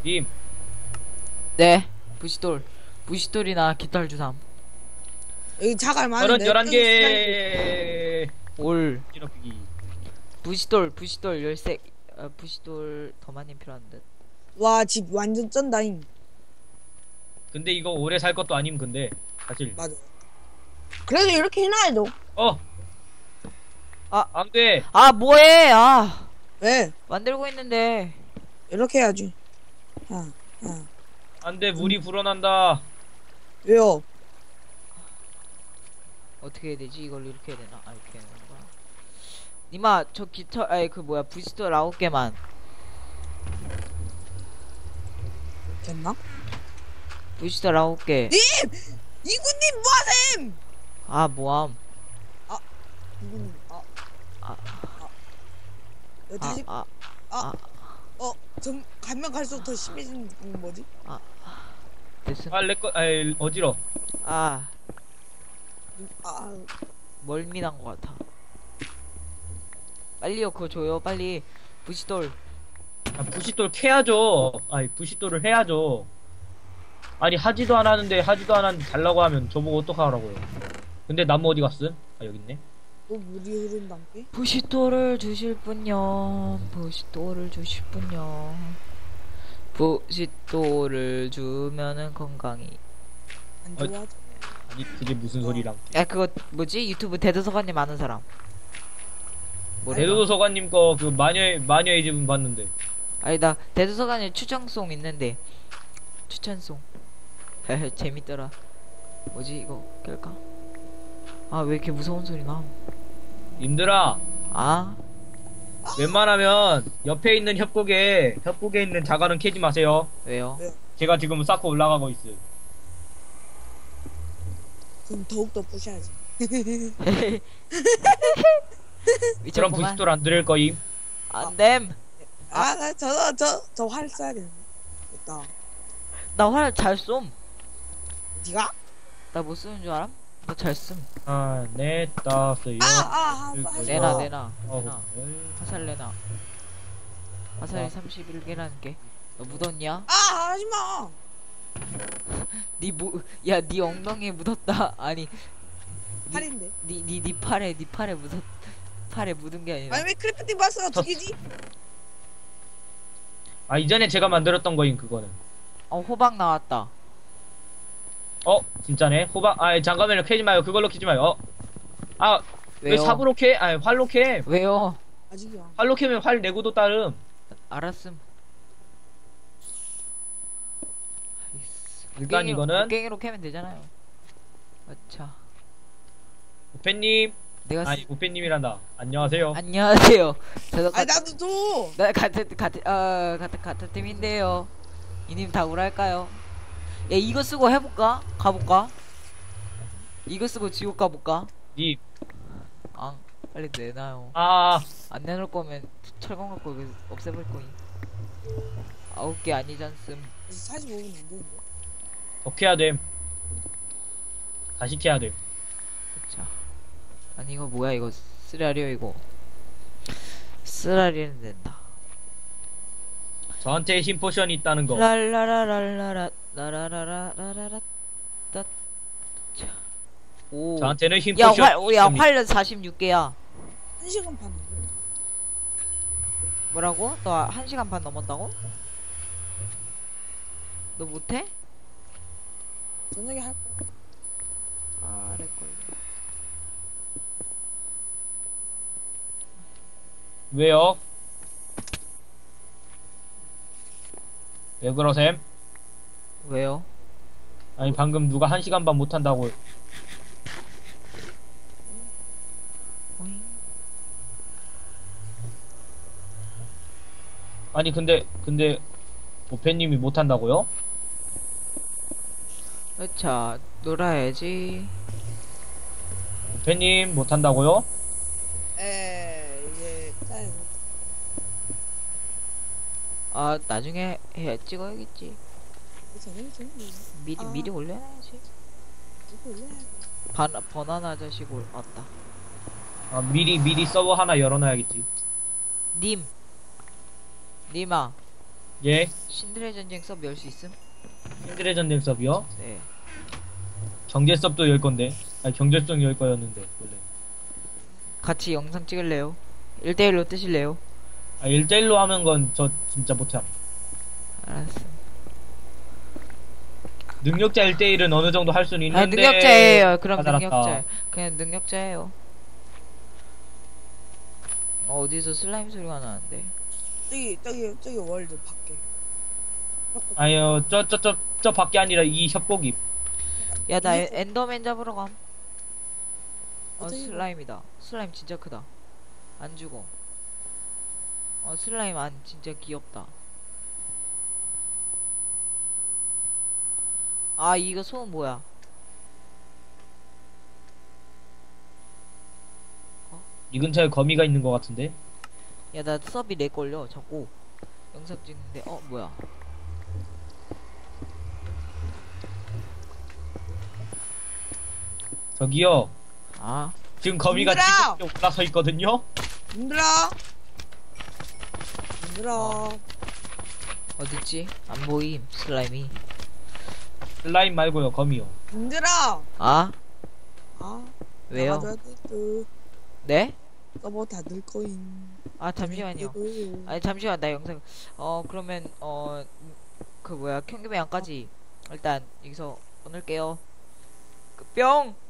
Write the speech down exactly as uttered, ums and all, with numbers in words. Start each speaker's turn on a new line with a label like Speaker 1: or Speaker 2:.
Speaker 1: 님.
Speaker 2: 네. 부시돌. 부시돌이나 깃털 주삼.
Speaker 3: 여기 자갈
Speaker 1: 서른
Speaker 3: 많은데.
Speaker 1: 열한 개.
Speaker 2: 올.
Speaker 1: 찌럽기.
Speaker 2: 부시돌, 부시돌 열세. 아, 부시돌 더 많이 필요한 듯.
Speaker 3: 와, 집 완전 쩐다잉.
Speaker 1: 근데 이거 오래 살 것도 아님 근데 사실.
Speaker 3: 맞아. 그래도 이렇게 해놔야죠.
Speaker 1: 어.
Speaker 2: 아.
Speaker 1: 안 돼.
Speaker 2: 아, 뭐해? 아.
Speaker 3: 왜?
Speaker 2: 만들고 있는데.
Speaker 3: 이렇게 해야지. 아, 아.
Speaker 1: 안 돼. 물이 불어난다.
Speaker 3: 왜요?
Speaker 2: 어떻게 해야 되지? 이걸 이렇게 해야 되나? 아, 이렇게 해야 되는 거야. 니마, 저 깃털, 아니, 그 뭐야, 부시돌 아홉 개만.
Speaker 3: 됐나?
Speaker 2: 부시돌 아홉 개.
Speaker 3: 님! 이구님 뭐하셈!
Speaker 2: 아, 뭐함.
Speaker 3: 이구님, 아.
Speaker 2: 아.
Speaker 3: 아. 여,
Speaker 2: 아,
Speaker 3: 다시,
Speaker 2: 아,
Speaker 3: 아. 어, 좀, 가면 갈수록 더 심해지는 건 뭐지?
Speaker 2: 됐음.
Speaker 1: 아, 내꺼, 아이, 어지러.
Speaker 2: 아,
Speaker 3: 아,
Speaker 2: 멀미난 것 같아. 빨리요, 그거 줘요, 빨리. 부시돌.
Speaker 1: 아, 부싯돌 캐야죠. 아니, 부싯돌을 해야죠. 아니, 하지도 않았는데, 하지도 않았는데, 달라고 하면 저보고 어떡하라고요. 근데 나무 어디 갔음? 아, 여기 있네.
Speaker 3: 또 물이 흐른단게?
Speaker 2: 부시돌을 주실 분요. 부시돌을 주실 분요. 부시돌을 주면은 건강이.
Speaker 3: 안
Speaker 1: 어,
Speaker 3: 좋아하죠?
Speaker 1: 아니, 그게 무슨 소리랑.
Speaker 2: 야, 그거 뭐지? 유튜브 대도서관님 아는 사람. 뭐래?
Speaker 1: 대도서관님 거, 그, 마녀의, 마녀의 집은 봤는데.
Speaker 2: 아니, 나 대도서관에 추천송 있는데. 추천송. 헤헤, 재밌더라. 뭐지, 이거 깰까? 아, 왜 이렇게 무서운 소리 나?
Speaker 1: 님들아,
Speaker 2: 아,
Speaker 1: 웬만하면, 옆에 있는 협곡에, 협곡에 있는 자갈은 캐지 마세요.
Speaker 2: 왜요?
Speaker 1: 제가 지금 쌓고 올라가고 있어요.
Speaker 3: 그럼 더욱더 부셔야지.
Speaker 1: 그럼
Speaker 2: 미쳤구만.
Speaker 1: 부싯돌 안 드릴 거임.
Speaker 2: 안됨.
Speaker 3: 아, 나 저, 저, 저 활 써야 되는데. 됐다.
Speaker 2: 나 활 잘 쏨.
Speaker 3: 니가?
Speaker 2: 나 못 쓰는 줄 알아? 나 잘 쏨.
Speaker 1: 아, 네, 따스요.
Speaker 3: 아, 아,
Speaker 1: 이거
Speaker 3: 아, 하지
Speaker 2: 내놔,
Speaker 3: 마.
Speaker 2: 내놔. 내놔.
Speaker 1: 어,
Speaker 2: 화살 내놔. 화살이
Speaker 1: 아.
Speaker 2: 삼십일 개라는 게. 너 묻었냐?
Speaker 3: 아, 하지 마.
Speaker 2: 니 뭐, 야, 니 엉덩이에 묻었다. 아니, 니,
Speaker 3: 팔인데.
Speaker 2: 니, 니, 니 팔에, 니 팔에 묻었, 팔에 묻은 게 아니라.
Speaker 3: 아니, 왜 크래프팅 박스가 두
Speaker 1: 저-
Speaker 3: 개지?
Speaker 1: 아, 이전에 제가 만들었던 거임, 그거는.
Speaker 2: 어, 호박 나왔다.
Speaker 1: 어, 진짜네. 호박, 아, 잠깐만요. 캐지 마요. 그걸로 캐지 마요. 어. 아, 왜
Speaker 2: 왜요?
Speaker 1: 삽으로 캐? 아니, 활로 캐.
Speaker 2: 왜요?
Speaker 3: 아직이야.
Speaker 1: 활로 캐면 활 내구도 따름.
Speaker 2: 알았음.
Speaker 1: 일단 이거는,
Speaker 2: 깽이로 캐면 되잖아요. 아차.
Speaker 1: 우페님.
Speaker 2: 내가
Speaker 1: 아니,
Speaker 2: 쓰...
Speaker 1: 우페님이란다. 안녕하세요.
Speaker 2: 안녕하세요. 저도
Speaker 3: 아니,
Speaker 2: 가...
Speaker 3: 나도 줘.
Speaker 2: 나 같은 같은 어 같은 같은 팀인데요. 이님 다 우랄까요? 야, 이거 쓰고 해볼까? 가볼까? 이거 쓰고 지옥 가볼까?
Speaker 1: 님.
Speaker 2: 아, 빨리 내놔요.
Speaker 1: 아,
Speaker 2: 안 내놓을 거면 철권 갖고 여기 없애볼 거임. 아홉 개 아니잖음.
Speaker 3: 사십오 분 안 되는데.
Speaker 1: 더 캐야 됨. 다시 캐야 됨.
Speaker 2: 자, 아니 이거 뭐야 이거 쓰라리요 이거. 쓰라리는 된다.
Speaker 1: 저한테 힘 포션이 있다는 거.
Speaker 2: 랄라라랄라라 라라라라라라 따. 자. 오.
Speaker 1: 저한테는 힘
Speaker 2: 야,
Speaker 1: 포션.
Speaker 2: 활, 야, 활 사십육 개야.
Speaker 3: 한 시간 반.
Speaker 2: 뭐라고? 너 한 시간 반 넘었다고? 너 못해?
Speaker 3: 저녁에 할 거.
Speaker 2: 아, 렉걸.
Speaker 1: 왜요? 왜 그러셈?
Speaker 2: 왜요?
Speaker 1: 아니, 방금 누가 한 시간 반 못한다고.
Speaker 2: 오잉?
Speaker 1: 아니, 근데, 근데, 우페님이 못한다고요?
Speaker 2: 자, 놀아야지.
Speaker 1: 우페님 못한다고요?
Speaker 3: 에, 이제 짜야 돼.
Speaker 2: 아, 나중에 해 찍어야겠지.
Speaker 3: 저녁에 저녁에
Speaker 2: 미리
Speaker 3: 아.
Speaker 2: 미리 올려놔야지.
Speaker 3: 이거 올려야 돼.
Speaker 2: 반 버나나 자식 올 왔다.
Speaker 1: 아, 미리, 미리 서버 하나 열어놔야겠지.
Speaker 2: 님, 님아,
Speaker 1: 예.
Speaker 2: 신들의 전쟁 서브 열 수 있음?
Speaker 1: 신들의 전쟁 서브요?
Speaker 2: 네.
Speaker 1: 경제 서브도 열 건데. 아니 경제성 열 거였는데 원래.
Speaker 2: 같이 영상 찍을래요? 일 대일로 뜨실래요?
Speaker 1: 아 일대일로 하는 건 저 진짜 못함.
Speaker 2: 알았어.
Speaker 1: 능력자 일대일은 어느 정도 할 수는
Speaker 2: 아,
Speaker 1: 있는데.
Speaker 2: 능력자예요. 그럼
Speaker 1: 다 달았다.
Speaker 2: 능력자. 그냥 능력자예요. 어, 어디서 슬라임 소리가 나는데?
Speaker 3: 저기 저기 저기 월드 밖에.
Speaker 1: 아니요 저 저 저 저 밖에 아니라 이 협곡이.
Speaker 2: 야, 나
Speaker 3: 이게-
Speaker 2: 에- 엔더맨 잡으러 감. 어,
Speaker 3: 어떻게
Speaker 2: 슬라임이다. 슬라임 진짜 크다. 안 죽어. 어, 슬라임 안 진짜 귀엽다. 아, 이거 소음 뭐야?
Speaker 1: 이 근처에 거미가 있는 것 같은데.
Speaker 2: 야, 나 서비 렉 걸려. 자꾸 영상 찍는데. 어, 뭐야?
Speaker 1: 저기요.
Speaker 2: 아,
Speaker 1: 지금 거미가
Speaker 3: 얘들아!
Speaker 1: 지금 올라서 있거든요.
Speaker 3: 힘들어. 힘들어.
Speaker 2: 어딨지? 안 보임. 슬라임이.
Speaker 1: 슬라임 말고요 거미요.
Speaker 3: 힘들어.
Speaker 2: 아,
Speaker 3: 아.
Speaker 2: 왜요?
Speaker 3: 나가줘야 돼, 또.
Speaker 2: 네?
Speaker 3: 서버 닫을 거임.
Speaker 2: 아, 잠시만요. 아니, 잠시만. 나 영상. 어, 그러면 어, 그 뭐야? 경기매양까지 일단 여기서 끊을게요. 그 뿅.